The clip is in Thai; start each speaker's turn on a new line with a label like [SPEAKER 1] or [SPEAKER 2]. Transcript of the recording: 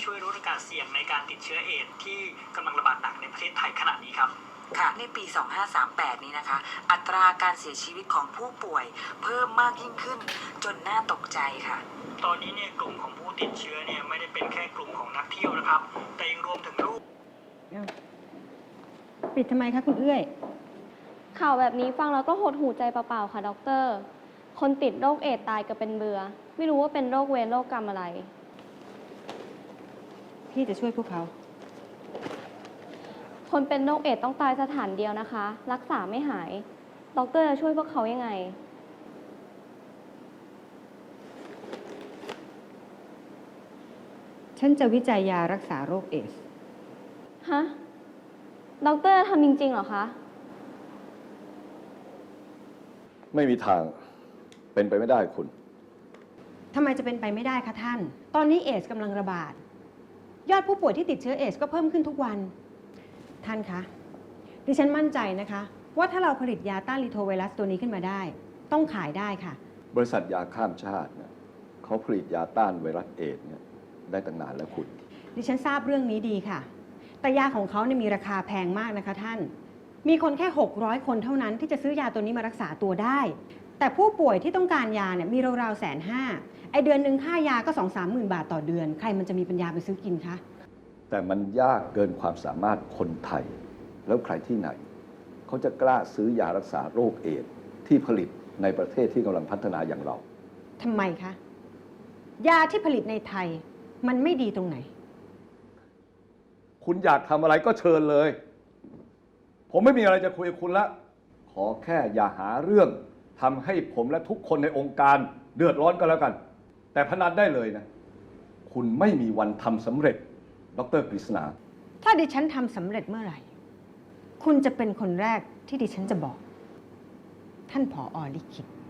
[SPEAKER 1] ช่วยลดโอกาสเสี่ยงในการติดเชื้อเอดส์ที่กำลังระบาดหนักในประเทศไทยขณะนี้ครับ
[SPEAKER 2] ค่ะในปี 2538 นี้นะคะ อัตราการเสียชีวิตของผู้ป่วยเพิ่มมากยิ่งขึ้นจนน่าตกใจค่ะ
[SPEAKER 1] ตอนนี้เนี่ยกลุ่มของผู้ติดเชื้อเนี่ยไม่ได้เป็นแค่กลุ่มของนักเที่ยวนะครับแต่ยังรวมถึงลูก
[SPEAKER 3] ปิดทำไมคะคุณเอื้อย
[SPEAKER 4] ข่าวแบบนี้ฟังแล้วก็หดหูใจเปล่าๆค่ะด็อกเตอร์ คนติดโรคเอดส์ตายก็เป็นเบื่อไม่รู้ว่าเป็นโรคเวรโรคกรรมอะไร
[SPEAKER 3] พี่จะช่วยพวกเขา
[SPEAKER 4] คนเป็นโรคเอดส์ต้องตายสถานเดียวนะคะ รักษาไม่หายด็อกเตอร์จะช่วยพวกเขายังไง
[SPEAKER 3] ฉันจะวิจัยยารักษาโรคเอดส์
[SPEAKER 4] ฮะด็อกเตอร์ทำจริงๆเหรอคะ
[SPEAKER 5] ไม่มีทางเป็นไปไม่ได้คุณ
[SPEAKER 3] ทำไมจะเป็นไปไม่ได้คะท่านตอนนี้เอดส์กำลังระบาดยอดผู้ป่วยที่ติดเชื้อเอดส์ก็เพิ่มขึ้นทุกวันท่านคะดิฉันมั่นใจนะคะว่าถ้าเราผลิตยาต้านรีโทไวรัสตัวนี้ขึ้นมาได้ต้องขายได้ค่ะ
[SPEAKER 5] บริษัทยาข้ามชาติเนี่ยเขาผลิตยาต้านไวรัสเอดส์เนี่ยได้ตั้งนานแล้วคุณ
[SPEAKER 3] ดิฉันทราบเรื่องนี้ดีค่ะแต่ยาของเขาเนี่ยมีราคาแพงมากนะคะท่านมีคนแค่600 คนเท่านั้นที่จะซื้อยาตัวนี้มารักษาตัวได้แต่ผู้ป่วยที่ต้องการยาเนี่ยมีราวๆ150,000ไอเดือนหนึ่งค่ายาก็2-3 หมื่นบาทต่อเดือนใครมันจะมีปัญญาไปซื้อกินคะ
[SPEAKER 5] แต่มันยากเกินความสามารถคนไทยแล้วใครที่ไหนเขาจะกล้าซื้อยารักษาโรคเอดส์ที่ผลิตในประเทศที่กำลังพัฒนาอย่างเรา
[SPEAKER 3] ทำไมคะยาที่ผลิตในไทยมันไม่ดีตรงไหน
[SPEAKER 5] คุณอยากทำอะไรก็เชิญเลยผมไม่มีอะไรจะคุยกับคุณละขอแค่อย่าหาเรื่องทำให้ผมและทุกคนในองค์การเดือดร้อนก็แล้วกันแต่พนันได้เลยนะคุณไม่มีวันทำสำเร็จดร.กฤษณา
[SPEAKER 3] ถ้าดิฉันทำสำเร็จเมื่อไหร่คุณจะเป็นคนแรกที่ดิฉันจะบอกท่านผอ.ลิขิต